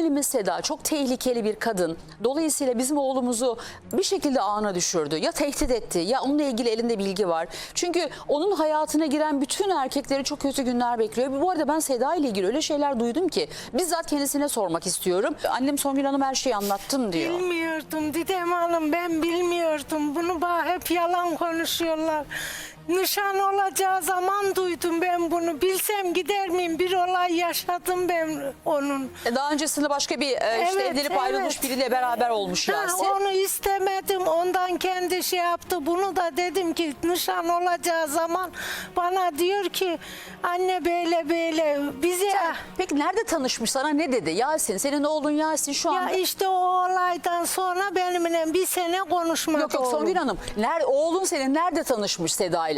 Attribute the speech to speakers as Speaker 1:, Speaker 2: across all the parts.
Speaker 1: gelinimiz Seda çok tehlikeli bir kadın. Dolayısıyla bizim oğlumuzu bir şekilde ağına düşürdü. Ya tehdit etti ya onunla ilgili elinde bilgi var. Çünkü onun hayatına giren bütün erkekleri çok kötü günler bekliyor. Bu arada ben Seda ile ilgili öyle şeyler duydum ki bizzat kendisine sormak istiyorum. Annem Songül Hanım her şeyi anlattım diyor.
Speaker 2: Bilmiyordum Didem Hanım, ben bilmiyordum. Bunu bana hep yalan konuşuyorlar. Nişan olacağı zaman duydum ben bunu. Bilsem gider miyim? Bir olay yaşadım ben onun.
Speaker 1: Daha öncesinde başka bir işte evlenip ayrılmış biriyle beraber olmuş Yasin.
Speaker 2: Onu istemedim. Ondan kendi şey yaptı. Bunu da dedim ki nişan olacağı zaman bana diyor ki anne böyle böyle bize...
Speaker 1: Peki nerede tanışmış, sana ne dedi? Yasin, senin oğlun Yasin şu
Speaker 2: Ya
Speaker 1: anda...
Speaker 2: işte o olaydan sonra benimle bir sene konuşmadı.
Speaker 1: Yok
Speaker 2: oğlum.
Speaker 1: Songül Hanım, oğlun senin nerede tanışmış Seda'yla?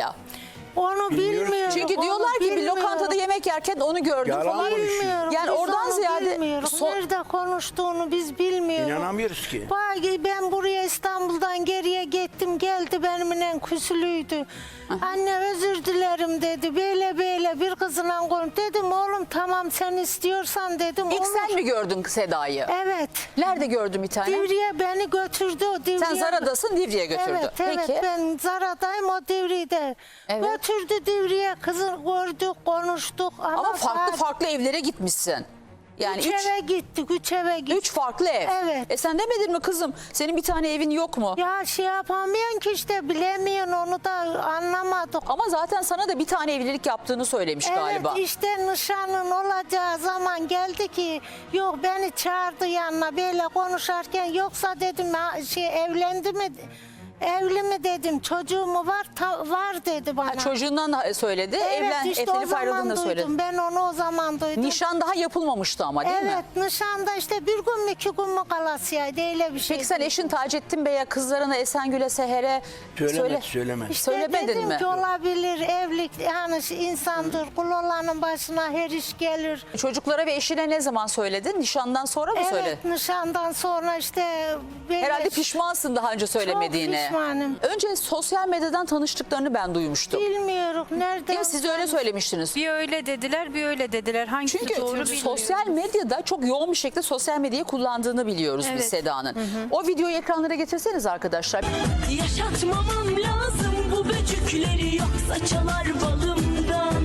Speaker 2: Onu bilmiyorum.
Speaker 1: Çünkü diyorlar ki bir lokantada yemek yerken onu gördüm
Speaker 3: Yalan
Speaker 1: falan.
Speaker 2: Bilmiyorum.
Speaker 1: Yani
Speaker 2: Biz
Speaker 1: oradan
Speaker 2: onu
Speaker 1: ziyade...
Speaker 2: bilmiyoruz. Nerede konuştuğunu biz bilmiyoruz.
Speaker 3: İnanamıyoruz ki.
Speaker 2: Ben buraya İstanbul'dan geriye gittim, geldi benimle küsülüydü. Anne özür dilerim dedi. Böyle böyle bir kızla konuş. Dedim oğlum tamam sen istiyorsan dedim.
Speaker 1: İlk
Speaker 2: olur.
Speaker 1: sen mi gördün Seda'yı?
Speaker 2: Evet.
Speaker 1: Nerede gördün bir tane?
Speaker 2: Divriğe beni götürdü o Divriğe.
Speaker 1: Sen Zara'dasın, Divriğe götürdü.
Speaker 2: Evet, evet.
Speaker 1: Peki.
Speaker 2: Ben Zara'dayım, o Divriğe'de.
Speaker 1: Evet.
Speaker 2: Götürdü Divriğe, kızı gördük, konuştuk.
Speaker 1: Ama farklı evlere gitmişsin. Yani
Speaker 2: Üç eve gittik, 3 eve gittik.
Speaker 1: 3 farklı ev.
Speaker 2: Evet.
Speaker 1: Sen demedin mi kızım? Senin bir tane evin yok mu?
Speaker 2: Ya şey yapamıyorsun ki işte, bilemiyorsun, onu da anlamadık.
Speaker 1: Ama zaten sana da bir tane evlilik yaptığını söylemiş galiba.
Speaker 2: Evet işte nişanın olacağı zaman geldi ki yok beni çağırdı yanına böyle konuşarken, yoksa dedim evlendi mi? Evli mi dedim, çocuğu mu var? Var dedi bana.
Speaker 1: Çocuğundan söyledi.
Speaker 2: Evet işte o
Speaker 1: Evlenip ayrıldığını
Speaker 2: zaman
Speaker 1: da söyledi.
Speaker 2: duydum. Ben onu o zaman duydum.
Speaker 1: Nişan daha yapılmamıştı ama değil mi?
Speaker 2: Evet, nişanda işte bir gün mü 2 gün mü kalasıydı, öyle bir şey.
Speaker 1: Peki sen eşin Taceddin Bey'e, kızlarına Esengül'e, Seher'e
Speaker 3: Söylemedi.
Speaker 2: İşte
Speaker 1: söylemedin
Speaker 2: dedim
Speaker 1: mi?
Speaker 2: ki olabilir, evlilik yani insandır, kul olanın başına her iş gelir.
Speaker 1: Çocuklara ve eşine ne zaman söyledin? Nişandan sonra mı söyledin?
Speaker 2: Evet, nişandan sonra işte...
Speaker 1: Herhalde pişmansın daha önce söylemediğine.
Speaker 2: Çok pişmanım.
Speaker 1: Önce sosyal medyadan tanıştıklarını ben duymuştum.
Speaker 2: Bilmiyorum nereden...
Speaker 1: Değil mi? Siz öyle söylemiştiniz.
Speaker 4: Bir öyle dediler, bir öyle dediler. Hangisi
Speaker 1: Çünkü
Speaker 4: doğru bilmiyorum.
Speaker 1: sosyal medyada çok yoğun bir şekilde sosyal medyayı kullandığını biliyoruz biz
Speaker 4: Evet.
Speaker 1: Seda'nın. O videoyu ekranlara getirseniz arkadaşlar.
Speaker 5: Yaşatmamam lazım bu böcükleri, yoksa çalar balımdan.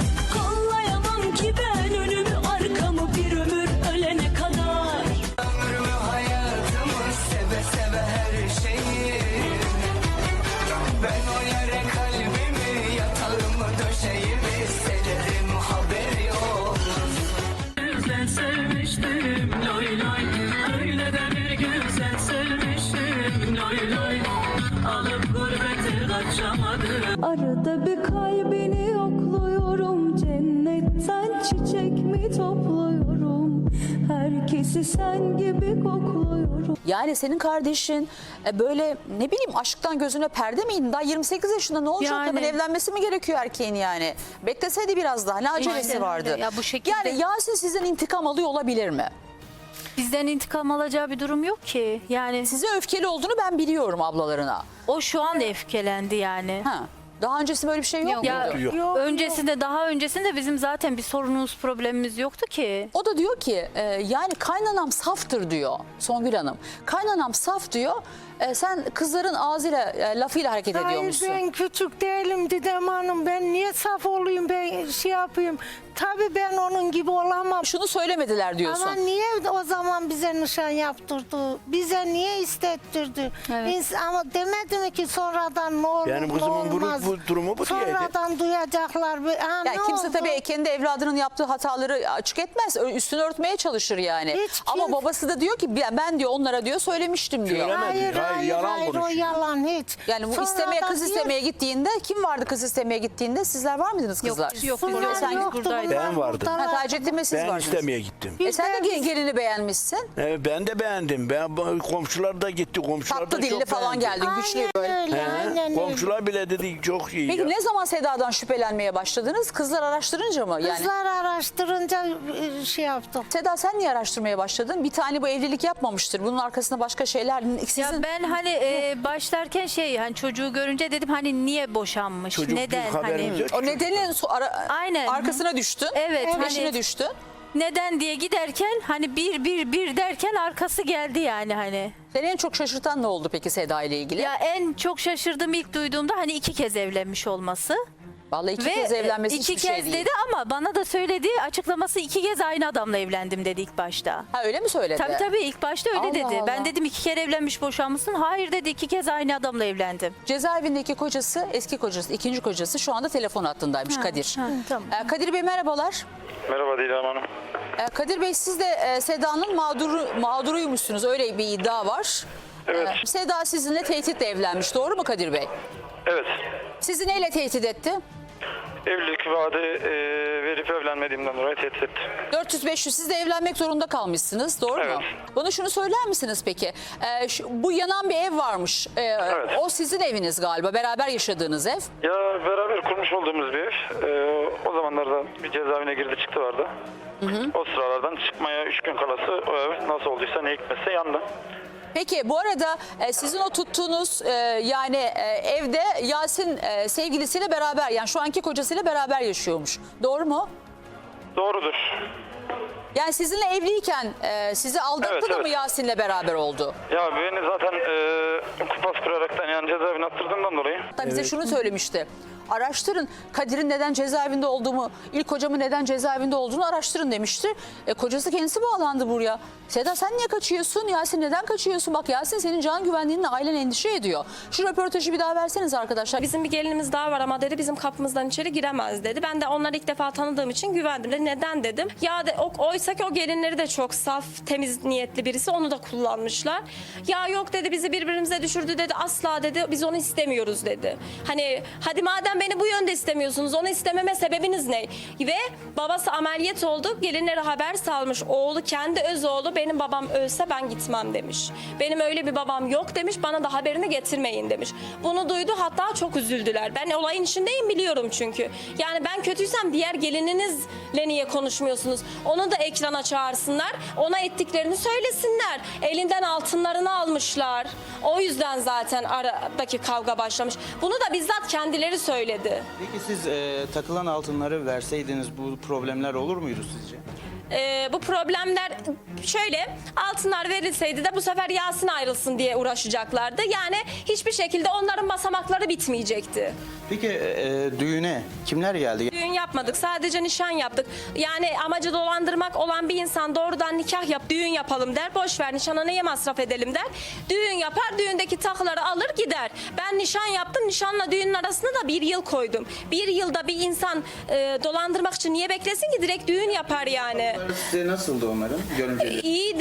Speaker 5: Kollayamam ki ben önümü arkamı bir ömür ölene kadar.
Speaker 6: Ömrümü hayatımı seve seve her şeyi. Ben o yere kalbimi, yatağımı döşeğimi sererim, haberi olur.
Speaker 5: Ben sevmiştim loy loy, öyle de bir güzel sevmiştim loy loy. Alıp gurbete kaçamadım.
Speaker 7: Arada bir kalbini yokluyorum, cennetten çiçek mi topluyorum, herkesi sen gibi kokluyorum.
Speaker 1: Yani senin kardeşin böyle ne bileyim aşktan gözüne perde miydi? Daha 28 yaşında ne olacak?
Speaker 4: Yani.
Speaker 1: Hemen evlenmesi mi gerekiyor erkeğin yani? Bekleseydi biraz daha, ne acelesi
Speaker 4: İşte
Speaker 1: vardı?
Speaker 4: öyle. Ya bu şekilde-
Speaker 1: Yani Yasin sizden intikam alıyor olabilir mi?
Speaker 4: Bizden intikam alacağı bir durum yok ki. Yani
Speaker 1: Size öfkeli olduğunu ben biliyorum ablalarına.
Speaker 4: o şu an öfkelendi yani.
Speaker 1: Ha. Daha öncesi böyle bir şey yok
Speaker 4: Ya
Speaker 1: muydu?
Speaker 3: Yok.
Speaker 4: daha öncesinde bizim zaten bir sorunumuz, problemimiz yoktu ki.
Speaker 1: O da diyor ki yani kaynanam saftır diyor Songül Hanım. Kaynanam saf diyor. Sen kızların ağzıyla lafıyla hareket ediyormuşsun.
Speaker 2: Hayır, ben küçük değilim Didem Hanım. Ben niye saf olayım, ben şey yapayım. Tabii ben onun gibi olamam.
Speaker 1: Şunu söylemediler diyorsun.
Speaker 2: Ama niye o zaman bize nişan yaptırdı? Bize niye istettirdi?
Speaker 4: Evet.
Speaker 2: Ama demedi mi ki sonradan ne olur
Speaker 3: Yani
Speaker 2: ne
Speaker 3: kızımın
Speaker 2: olmaz?
Speaker 3: bu durumu bu diyeydi.
Speaker 2: Sonradan duyacaklar.
Speaker 1: Yani
Speaker 2: Ne
Speaker 1: kimse
Speaker 2: oldu?
Speaker 1: tabii kendi evladının yaptığı hataları açık etmez. Üstünü örtmeye çalışır yani.
Speaker 2: Hiç
Speaker 1: Ama
Speaker 2: kim-
Speaker 1: babası da diyor ki ben diyor onlara diyor söylemiştim diyor.
Speaker 3: Söylemedi. Hayır, yalan
Speaker 2: o
Speaker 3: konuşuyor.
Speaker 2: yalan hiç.
Speaker 1: Yani bu
Speaker 2: Sonradan
Speaker 1: kız
Speaker 2: diyor-
Speaker 1: istemeye gittiğinde kim vardı kız istemeye gittiğinde? Sizler var mıydınız kızlar?
Speaker 4: Yok,
Speaker 2: Bunlar
Speaker 1: Sen
Speaker 2: yoktu,
Speaker 4: buradaydık.
Speaker 2: bunlar
Speaker 3: Ben vardım.
Speaker 2: buradalar.
Speaker 1: Ha, Taceddin Bey siz
Speaker 3: Ben
Speaker 1: vardınız.
Speaker 3: istemeye gittim.
Speaker 1: Sen de gelini beğenmişsin.
Speaker 3: Ben de beğendim. Komşular da gitti. Komşular
Speaker 1: Tatlı
Speaker 3: da
Speaker 1: dilli
Speaker 3: çok
Speaker 1: falan
Speaker 3: beğendi.
Speaker 1: geldin. Güçlü
Speaker 2: Aynen
Speaker 1: böyle.
Speaker 2: öyle,
Speaker 3: He,
Speaker 2: aynen öyle.
Speaker 3: komşular bile dedi çok iyi.
Speaker 1: Peki
Speaker 3: ya.
Speaker 1: ne zaman Seda'dan şüphelenmeye başladınız? Kızlar araştırınca mı? Yani
Speaker 2: Kızlar araştırınca şey yaptım.
Speaker 1: Seda sen niye araştırmaya başladın? Bir tane bu evlilik yapmamıştır. Bunun arkasında başka şeyler. Sizin...
Speaker 4: Ya ben hani başlarken hani çocuğu görünce dedim hani niye boşanmış?
Speaker 3: Çocuk
Speaker 4: Neden
Speaker 3: bir haberimiz
Speaker 4: hani?
Speaker 3: yok.
Speaker 1: O nedenin
Speaker 4: Aynen.
Speaker 1: arkasına düştün.
Speaker 4: Evet,
Speaker 1: Peşine
Speaker 4: hani-
Speaker 1: düştün.
Speaker 4: Neden diye giderken hani bir derken arkası geldi yani hani.
Speaker 1: Seni en çok şaşırtan ne oldu peki Seda ile ilgili?
Speaker 4: Ya en çok şaşırdığım ilk duyduğumda hani 2 kez evlenmiş olması.
Speaker 1: Vallahi iki kez evlenmesi
Speaker 4: iki
Speaker 1: hiçbir şey
Speaker 4: kez
Speaker 1: değil.
Speaker 4: dedi ama bana da söylediği açıklaması 2 kez aynı adamla evlendim dedi ilk başta.
Speaker 1: Ha öyle mi söyledi?
Speaker 4: Tabii ilk başta öyle
Speaker 1: Allah
Speaker 4: dedi.
Speaker 1: Allah.
Speaker 4: Ben dedim 2 kere evlenmiş boşanmışsın. Hayır dedi 2 kez aynı adamla evlendim.
Speaker 1: Cezaevindeki kocası, eski kocası, ikinci kocası şu anda telefon hattındaymış Kadir.
Speaker 4: Tamam.
Speaker 1: Kadir Bey merhabalar.
Speaker 8: Merhaba Didem Hanım.
Speaker 1: Kadir Bey siz de Seda'nın mağduruymuşsunuz. Öyle bir iddia var.
Speaker 8: Evet.
Speaker 1: Seda sizinle tehditle evlenmiş. Doğru mu Kadir Bey?
Speaker 8: Evet.
Speaker 1: Sizi neyle tehdit etti?
Speaker 8: Evlilik vaadi verip evlenmediğimden dolayı tehdit etti.
Speaker 1: 400-500 siz de evlenmek zorunda kalmışsınız. Doğru mu?
Speaker 8: Evet.
Speaker 1: Bana şunu söyler misiniz peki? Bu yanan bir ev varmış.
Speaker 8: Evet.
Speaker 1: O sizin eviniz galiba. Beraber yaşadığınız ev.
Speaker 8: Ya beraber kurmuş olduğumuz bir ev. O zamanlarda bir cezaevine girdi çıktı vardı. O sıralardan çıkmaya 3 gün kalası o ev nasıl olduysa ne hikmetse yandı.
Speaker 1: Peki bu arada sizin o tuttuğunuz evde Yasin sevgilisiyle beraber yani şu anki kocasıyla beraber yaşıyormuş. Doğru mu?
Speaker 8: Doğrudur.
Speaker 1: Yani sizinle evliyken sizi aldattı
Speaker 8: Evet,
Speaker 1: da mı
Speaker 8: evet.
Speaker 1: Yasin'le beraber oldu?
Speaker 8: Ya beni zaten kupas kıraraktan yani cezaevine attırdığımdan dolayı.
Speaker 1: Hatta bize şunu söylemişti. Araştırın Kadir'in neden cezaevinde olduğumu, ilk kocamın neden cezaevinde olduğunu araştırın demişti. Kocası kendisi bağlandı buraya. Seda sen niye kaçıyorsun? Yasin neden kaçıyorsun? Bak Yasin senin can güvenliğinle ailen endişe ediyor. Şu röportajı bir daha verseniz arkadaşlar.
Speaker 9: Bizim bir gelinimiz daha var ama dedi bizim kapımızdan içeri giremez dedi. Ben de onları ilk defa tanıdığım için güvendim. Dedi, neden dedim. Ya oysa ki o gelinleri de çok saf, temiz niyetli birisi. Onu da kullanmışlar. Ya yok dedi bizi birbirimize düşürdü dedi. Asla dedi biz onu istemiyoruz dedi. Hani hadi madem beni bu yönde istemiyorsunuz onu istememe sebebiniz ne? Ve babası ameliyat oldu. Gelinlere haber salmış. Oğlu kendi öz oğlu benim babam ölse ben gitmem demiş. Benim öyle bir babam yok demiş. Bana da haberini getirmeyin demiş. Bunu duydu hatta çok üzüldüler. Ben olayın içindeyim biliyorum çünkü. Yani ben kötüysem diğer gelininizle niye konuşmuyorsunuz? Onu da ekrana çağırsınlar. Ona ettiklerini söylesinler. Elinden altınlarını almışlar. O yüzden zaten aradaki kavga başlamış. Bunu da bizzat kendileri söyledi.
Speaker 10: Peki siz takılan altınları verseydiniz bu problemler olur muydu sizce?
Speaker 9: Bu problemler şöyle altınlar verilseydi de bu sefer Yasin ayrılsın diye uğraşacaklardı. Yani hiçbir şekilde onların basamakları bitmeyecekti.
Speaker 10: Peki düğüne kimler geldi?
Speaker 9: Düğün yapmadık sadece nişan yaptık. Yani amacı dolandırmak olan bir insan doğrudan nikah yap düğün yapalım der. Boş ver nişana neye masraf edelim der. Düğün yapar düğündeki takıları alır gider. Ben nişan yaptım nişanla düğünün arasında da 1 yıl koydum. 1 yılda bir insan dolandırmak için niye beklesin ki direkt düğün yapar yani.
Speaker 10: Size nasıldı onların görümceleri?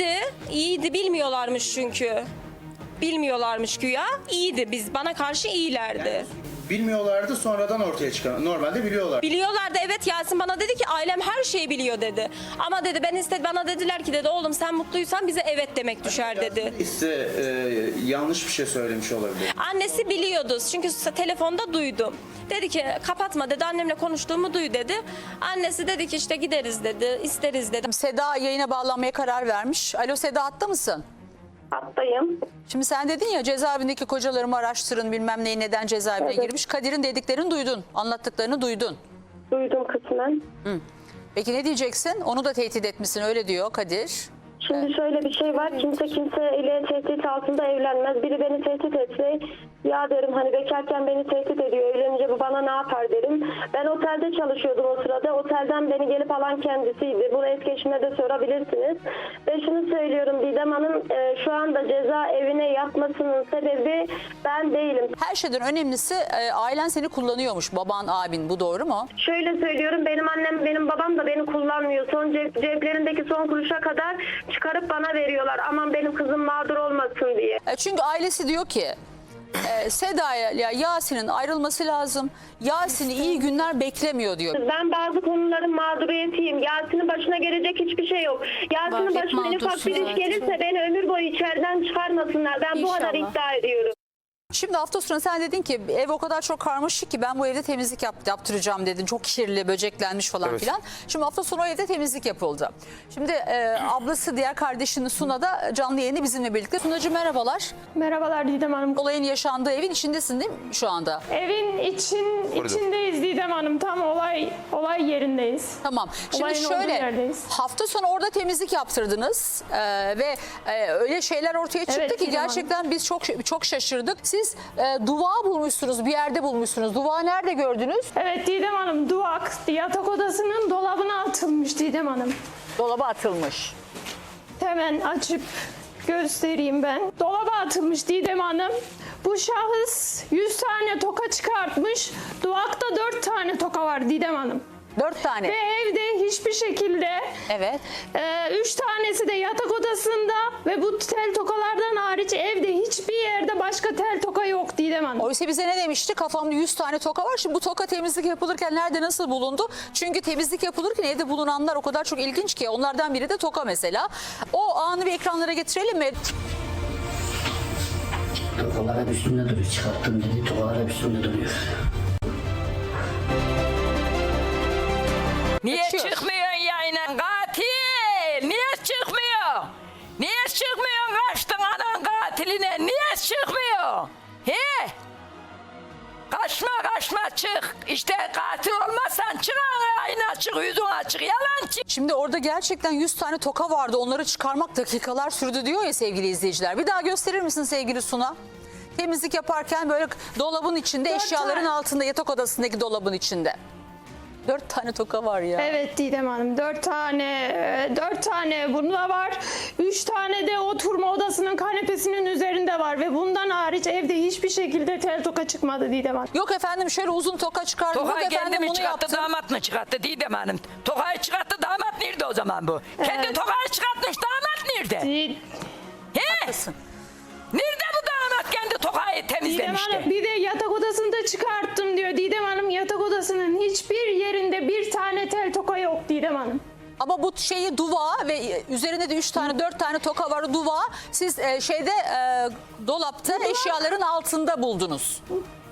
Speaker 9: İyiydi bilmiyorlarmış çünkü. Bilmiyorlarmış güya. İyiydi bana karşı iyilerdi.
Speaker 10: Bilmiyorlardı sonradan ortaya çıkan. Normalde biliyorlar.
Speaker 9: Biliyorlardı evet Yasin bana dedi ki ailem her şeyi biliyor dedi. Ama dedi bana dediler ki dedi oğlum sen mutluysan bize evet demek düşer dedi.
Speaker 10: Size yanlış bir şey söylemiş olabilir.
Speaker 9: Annesi biliyordu çünkü telefonda duydum. Dedi ki kapatma dedi annemle konuştuğumu duy dedi. Annesi dedi ki işte gideriz dedi isteriz dedi.
Speaker 1: Seda yayına bağlanmaya karar vermiş. Alo Seda hatta mısın?
Speaker 11: Hattayım.
Speaker 1: Şimdi sen dedin ya cezaevindeki kocalarımı araştırın bilmem neyi neden cezaevine girmiş. Kadir'in dediklerini duydun, anlattıklarını duydun.
Speaker 11: Duydum kısmen.
Speaker 1: Peki ne diyeceksin? Onu da tehdit etmişsin öyle diyor Kadir.
Speaker 11: Şimdi şöyle bir şey var. Kimse kimseyle tehdit altında evlenmez. Biri beni tehdit etse ya derim hani bekarken beni tehdit ediyor. Evlenince bu bana ne yapar derim. Ben otelde çalışıyordum o sırada. Otelden beni gelip alan kendisiydi. Bunu eski eşime de sorabilirsiniz. Ve şunu söylüyorum Didem Hanım şu anda cezaevine yatmasının sebebi ben değilim.
Speaker 1: Her şeyden önemlisi ailen seni kullanıyormuş. Baban, abin bu doğru mu?
Speaker 11: Şöyle söylüyorum benim annem benim babam da beni kullanmıyor. Son ceplerindeki son kuruşa kadar çıkarıp bana veriyorlar. Aman benim kızım mağdur olmasın diye.
Speaker 1: Çünkü ailesi diyor ki Seda'ya Yasin'in ayrılması lazım. Yasin'i iyi günler beklemiyor diyor.
Speaker 11: Ben bazı konuların mağduriyetiyim. Yasin'in başına gelecek hiçbir şey yok. Yasin'in başına en ufak bir iş gelirse beni ömür boyu içeriden çıkarmasınlar. Ben bu kadar
Speaker 4: İnşallah.
Speaker 11: iddia ediyorum.
Speaker 1: Şimdi hafta sonu sen dedin ki ev o kadar çok karmaşık ki ben bu evde temizlik yaptıracağım dedin. Çok kirli, böceklenmiş falan
Speaker 3: Evet.
Speaker 1: filan. Şimdi hafta sonu o evde temizlik yapıldı. Şimdi ablası, diğer kardeşinin Suna da canlı yayını bizimle birlikte. Sunacığım merhabalar.
Speaker 11: Merhabalar Didem Hanım.
Speaker 1: Olayın yaşandığı evin içindesin değil mi şu anda?
Speaker 11: Evin içindeyiz Didem Hanım. Tam olay yerindeyiz.
Speaker 1: Tamam. Şimdi
Speaker 11: Olayın olduğu
Speaker 1: şöyle
Speaker 11: yerdeyiz.
Speaker 1: hafta sonu orada temizlik yaptırdınız ve öyle şeyler ortaya çıktı
Speaker 11: Evet,
Speaker 1: ki
Speaker 11: Didem Hanım.
Speaker 1: gerçekten biz çok şaşırdık. Siz duvağı bulmuşsunuz, bir yerde bulmuşsunuz. Duvağı nerede gördünüz?
Speaker 11: Evet Didem Hanım, duvak yatak odasının dolabına atılmış Didem Hanım.
Speaker 1: Dolaba atılmış.
Speaker 11: Hemen açıp göstereyim ben. Dolaba atılmış Didem Hanım. Bu şahıs 100 tane toka çıkartmış. Duvakta 4 tane toka var Didem Hanım.
Speaker 1: 4 tane.
Speaker 11: Ve evde hiçbir şekilde
Speaker 1: Evet.
Speaker 11: 3 tanesi de yatak odasında ve bu tel tokalardan hariç evde hiçbir yerde başka tel toka yok Didem Hanım.
Speaker 1: Oysa bize ne demişti? Kafamda 100 tane toka var. Şimdi bu toka temizlik yapılırken nerede, nasıl bulundu? Çünkü temizlik yapılırken evde bulunanlar o kadar çok ilginç ki. Onlardan biri de toka mesela. O anı bir ekranlara getirelim mi?
Speaker 12: Tokalar hep üstünde duruyor. Çıkarttım dedi. Tokalar hep üstünde duruyor.
Speaker 5: Niye
Speaker 1: Açıyor.
Speaker 5: çıkmıyorsun yayına? Katil! Niye çıkmıyor? Niye çıkmıyorsun? Kaçtın anan katiline. Niye çıkmıyor? He? Kaçma çık. İşte katil olmazsan çık yayına çık. Yüzün açık. Yalancı.
Speaker 1: Şimdi orada gerçekten 100 tane toka vardı. Onları çıkarmak dakikalar sürdü diyor ya sevgili izleyiciler. Bir daha gösterir misin sevgili Suna? Temizlik yaparken böyle dolabın içinde,
Speaker 11: 4
Speaker 1: eşyaların
Speaker 11: tane.
Speaker 1: altında, yatak odasındaki dolabın içinde. 4 tane toka var ya.
Speaker 11: Evet Didem Hanım, 4 tane bunda var. 3 tane de oturma odasının kanepesinin üzerinde var ve bundan hariç evde hiçbir şekilde tel toka çıkmadı Didem Hanım.
Speaker 1: Yok efendim şöyle uzun toka çıkardım. Yok
Speaker 5: Tokayı
Speaker 1: efendim
Speaker 5: kendi mi
Speaker 1: bunu
Speaker 5: çıkarttı,
Speaker 1: yaptım.
Speaker 5: damat mı çıkarttı Didem Hanım? Tokayı çıkarttı, damat nerede o zaman bu? Kendi tokayı çıkartmış, damat nerede? He?
Speaker 1: Haklısın.
Speaker 5: Nerede bu damat kendi tokayı
Speaker 11: Didem
Speaker 5: temizlemişti?
Speaker 11: Hanım bir de yatak odasında çıkarttım diyor. Didem Hanım yatak odasının hiçbir yerinde bir tane tel toka yok Didem Hanım.
Speaker 1: Ama bu şeyi duvağı ve üzerinde de 3 tane 4 tane toka var duvağı siz dolapta eşyaların altında buldunuz.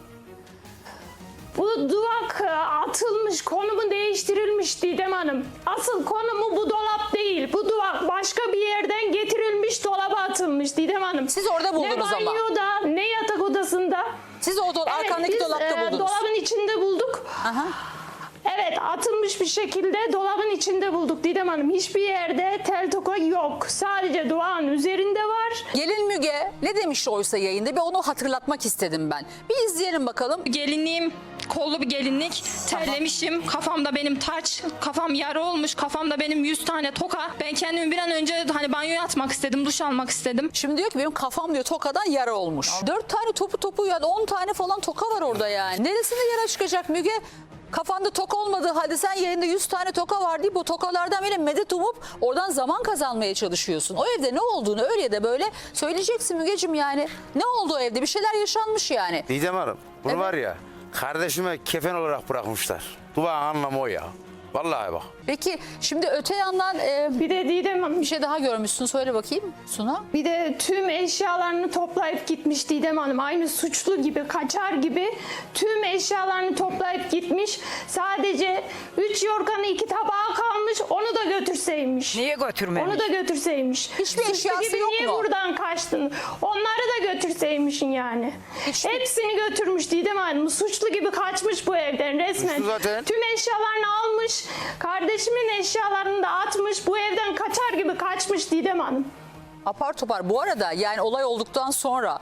Speaker 11: Bu duvak atılmış, konumu değiştirilmiş Didem Hanım. Asıl konumu bu dolap değil. Bu duvak başka bir yerden getirilmiş, dolaba atılmış Didem Hanım.
Speaker 1: Siz orada buldunuz
Speaker 11: ne
Speaker 1: ama.
Speaker 11: banyoda, ne yatak odasında.
Speaker 1: Siz o arkandaki
Speaker 11: biz,
Speaker 1: dolapta buldunuz.
Speaker 11: Dolabın içinde bulduk.
Speaker 1: Aha.
Speaker 11: Evet, atılmış bir şekilde dolabın içinde bulduk Didem Hanım. Hiçbir yerde tel toka yok. Sadece duvağın üzerinde var.
Speaker 1: Gelin Müge ne demişti oysa yayında? Bir onu hatırlatmak istedim ben. Bir izleyelim bakalım.
Speaker 13: Gelinliğim kollu bir gelinlik, terlemişim, kafamda benim taç, kafam yara olmuş, kafamda benim 100 tane toka. Ben kendimi bir an önce hani banyoya atmak istedim, duş almak istedim.
Speaker 1: Şimdi diyor ki benim kafam diyor tokadan yara olmuş. 4 tane topu yani 10 tane falan toka var orada yani. Neresinde yara çıkacak Müge? Kafanda toka olmadığı halde sen yayında 100 tane toka var deyip bu tokalardan böyle medet umup oradan zaman kazanmaya çalışıyorsun. O evde ne olduğunu öyle ya da böyle söyleyeceksin Mügeciğim yani. Ne oldu o evde? Bir şeyler yaşanmış yani.
Speaker 3: Didem Hanım bunu
Speaker 1: Evet.
Speaker 3: var ya kardeşime kefen olarak bırakmışlar. Duvağın anlamı o ya. Vallahi bak.
Speaker 1: Peki şimdi öte yandan
Speaker 11: Bir de Didem Hanım,
Speaker 1: bir şey daha görmüşsün. Söyle bakayım Suna.
Speaker 11: bir de tüm eşyalarını toplayıp gitmiş Didem Hanım. Aynı suçlu gibi, kaçar gibi tüm eşyalarını toplayıp gitmiş. Sadece 3 yorganı 2 tabağı kalmış. Onu da götürseymiş.
Speaker 5: Niye götürmemiş?
Speaker 11: Onu da götürseymiş.
Speaker 1: Hiçbir
Speaker 11: Suçlu
Speaker 1: eşyası
Speaker 11: gibi
Speaker 1: yok
Speaker 11: niye
Speaker 1: mu?
Speaker 11: buradan kaçtın? Onları da götürseymişsin yani.
Speaker 1: Hiçbir-
Speaker 11: Hepsini götürmüş Didem Hanım. Suçlu gibi kaçmış bu evden resmen.
Speaker 3: Suçlu zaten.
Speaker 11: Tüm eşyalarını almış. Kardeşimin eşyalarını da atmış. Bu evden kaçar gibi kaçmış Didem Hanım.
Speaker 1: Apar topar. Bu arada yani olay olduktan sonra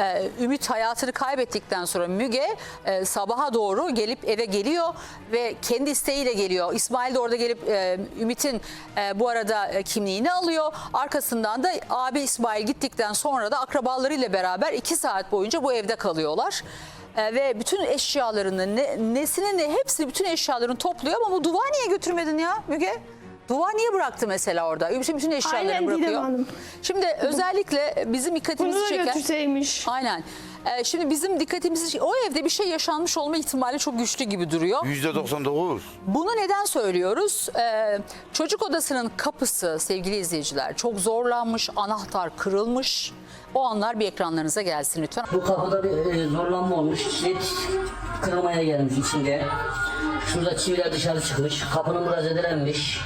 Speaker 1: Ümit hayatını kaybettikten sonra Müge sabaha doğru gelip eve geliyor ve kendi isteğiyle geliyor. İsmail de orada gelip Ümit'in bu arada kimliğini alıyor. Arkasından da abi İsmail gittikten sonra da akrabalarıyla beraber 2 saat boyunca bu evde kalıyorlar. Ve bütün eşyalarını nesini ne hepsini bütün eşyalarını topluyor ama bu duvağı niye götürmedin ya Müge? Duvar niye bıraktı mesela orada? Bütün eşyalarını
Speaker 7: Aynen Didem
Speaker 1: bırakıyor.
Speaker 7: Hanım.
Speaker 1: Şimdi özellikle bizim dikkatimizi
Speaker 7: Bunu da
Speaker 1: çeken...
Speaker 7: götürseymiş.
Speaker 1: Aynen. Şimdi bizim dikkatimizi... O evde bir şey yaşanmış olma ihtimali çok güçlü gibi duruyor.
Speaker 3: %99.
Speaker 1: Bunu neden söylüyoruz? Çocuk odasının kapısı sevgili izleyiciler çok zorlanmış, anahtar kırılmış. O anlar bir ekranlarınıza gelsin lütfen.
Speaker 12: Bu kapıda bir zorlanma olmuş. Kilit kırılmaya gelmiş içinde. Şurada çiviler dışarı çıkmış. Kapının burası zedelenmiş.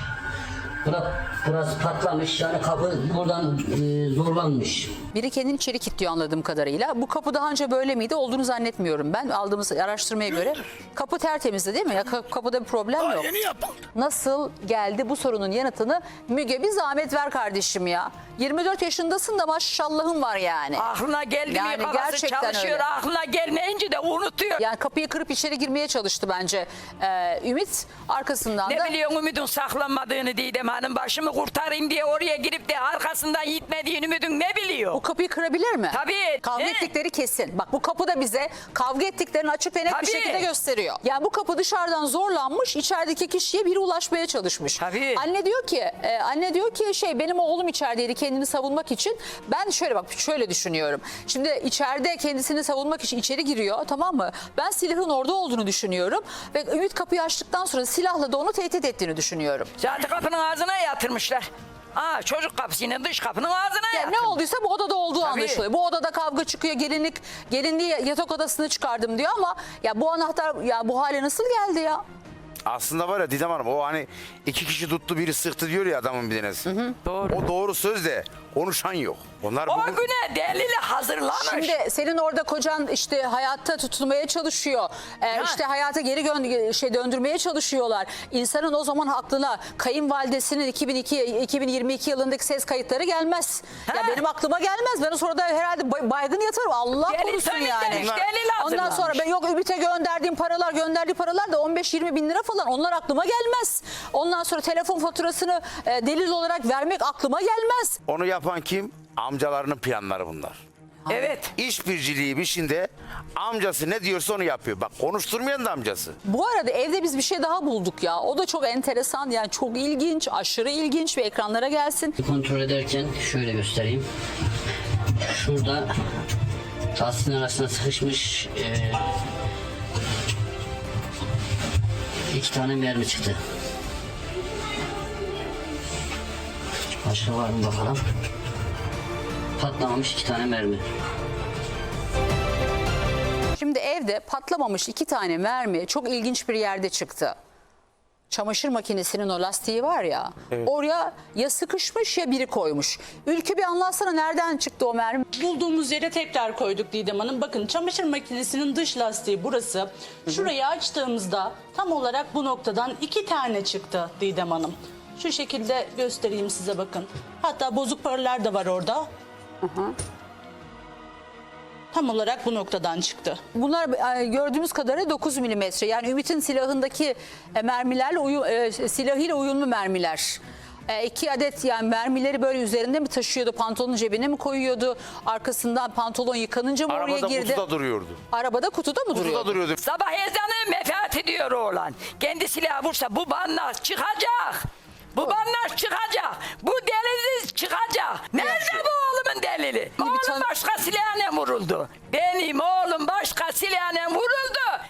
Speaker 12: Burası patlamış. Yani kapı buradan zorlanmış.
Speaker 1: Biri kendini içeri kilitliyor anladığım kadarıyla. Bu kapı daha önce böyle miydi? Olduğunu zannetmiyorum ben. Aldığımız araştırmaya göre. Kapı tertemizdi değil mi? Ya kapıda bir problem yok.
Speaker 3: Yeni yapıldı.
Speaker 1: Nasıl geldi bu sorunun yanıtını Müge bir zahmet ver kardeşim ya. 24 yaşındasın da maşallahın var yani.
Speaker 5: Aklına geldi
Speaker 1: Yani
Speaker 5: mi kafası
Speaker 1: gerçekten
Speaker 5: çalışıyor.
Speaker 1: öyle.
Speaker 5: Aklına gelmeyince de unutuyor.
Speaker 1: Yani kapıyı kırıp içeri girmeye çalıştı bence Ümit. Arkasından da...
Speaker 5: Ne biliyorsun Ümit'in saklanmadığını Didem Hanım, başımı kurtarayım diye oraya girip de arkasından gitmediğini Ümit'in ne biliyor?
Speaker 1: Bu kapıyı kırabilir mi?
Speaker 5: Tabii.
Speaker 1: Kavga
Speaker 5: He.
Speaker 1: ettikleri kesin. Bak bu kapı da bize kavga ettiklerini açık ve net bir
Speaker 5: Tabii.
Speaker 1: şekilde gösteriyor. Yani bu kapı dışarıdan zorlanmış, içerideki kişiye biri ulaşmaya çalışmış.
Speaker 5: Tabii.
Speaker 1: Anne diyor ki benim oğlum içerideydi kendini savunmak için. Ben şöyle düşünüyorum. Şimdi içeride kendisini savunmak için içeri giriyor, tamam mı? Ben silahın orada olduğunu düşünüyorum ve Ümit kapıyı açtıktan sonra silahla da onu tehdit ettiğini düşünüyorum.
Speaker 5: Zaten kapının ağzına yatırmışlar. Çocuk kapısının dış kapının ağzına
Speaker 1: Yani
Speaker 5: yatırmış.
Speaker 1: ne olduysa bu odada olduğu
Speaker 5: Tabii.
Speaker 1: anlaşılıyor. Bu odada kavga çıkıyor. Gelinliği yatak odasına çıkardım diyor ama ya bu anahtar ya bu hale nasıl geldi ya?
Speaker 3: Aslında var ya Didem Hanım, o hani iki kişi tuttu biri sıktı diyor ya adamın bir tanesi.
Speaker 5: Doğru.
Speaker 3: O doğru söz de konuşan yok. Onlar
Speaker 5: O
Speaker 3: bugün...
Speaker 5: güne delili hazırlanır.
Speaker 1: Şimdi senin orada kocan işte hayatta tutunmaya çalışıyor. İşte hayata geri döndürmeye çalışıyorlar. İnsanın o zaman aklına kayınvalidesinin 2022 yılındaki ses kayıtları gelmez. Ya
Speaker 5: Ha.
Speaker 1: benim aklıma gelmez. Ben o sırada herhalde baygın yatarım. Allah
Speaker 5: Gelin
Speaker 1: korusun
Speaker 5: söylemiş,
Speaker 1: yani.
Speaker 5: delil
Speaker 1: Ondan
Speaker 5: hazırlanmış.
Speaker 1: sonra ben yok Ümit'e gönderdiğim paralar da 15-20 bin lira falan, onlar aklıma gelmez. Ondan sonra telefon faturasını delil olarak vermek aklıma gelmez.
Speaker 3: Onu yapan kim? Amcalarının planları bunlar.
Speaker 5: Evet.
Speaker 3: İşbirciliği işinde amcası ne diyorsa onu yapıyor. Bak konuşturmayan da amcası.
Speaker 1: Bu arada evde biz bir şey daha bulduk ya. O da çok enteresan, yani çok ilginç, aşırı ilginç ve ekranlara gelsin.
Speaker 12: Kontrol ederken şöyle göstereyim. Şurada lastiğin arasına sıkışmış 2 tane mermi çıktı. Başka var mı bakalım. Patlamamış 2 tane mermi.
Speaker 1: Şimdi evde patlamamış 2 tane mermi çok ilginç bir yerde çıktı. Çamaşır makinesinin o lastiği var ya, oraya ya sıkışmış ya biri koymuş. Ülkü bir anlatsana, nereden çıktı o mermi?
Speaker 14: Bulduğumuz yere tekrar koyduk Didem Hanım. Bakın çamaşır makinesinin dış lastiği burası. Şurayı açtığımızda tam olarak bu noktadan 2 tane çıktı Didem Hanım. Şu şekilde göstereyim size, bakın. Hatta bozuk paralar da var orada. Tam olarak bu noktadan çıktı.
Speaker 1: Bunlar gördüğümüz kadarıyla 9 milimetre. Yani Ümit'in silahındaki mermilerle silahıyla uyumlu mermiler. 2 adet yani mermileri böyle üzerinde mi taşıyordu? Pantolonun cebine mi koyuyordu? Arkasından pantolon yıkanınca mı oraya
Speaker 3: Arabada
Speaker 1: girdi?
Speaker 3: kutuda duruyordu.
Speaker 1: Arabada kutuda mı duruyordu?
Speaker 3: Kutuda duruyordu.
Speaker 5: Sabah ezanı mefat ediyor oğlan. Kendi silahı vursa bu banlar çıkacak. Bu banlar çıkacak. Bu delil çıkacak. Nerede bu oğlumun delili? Oğlum başka silahına vuruldu. Benim oğlum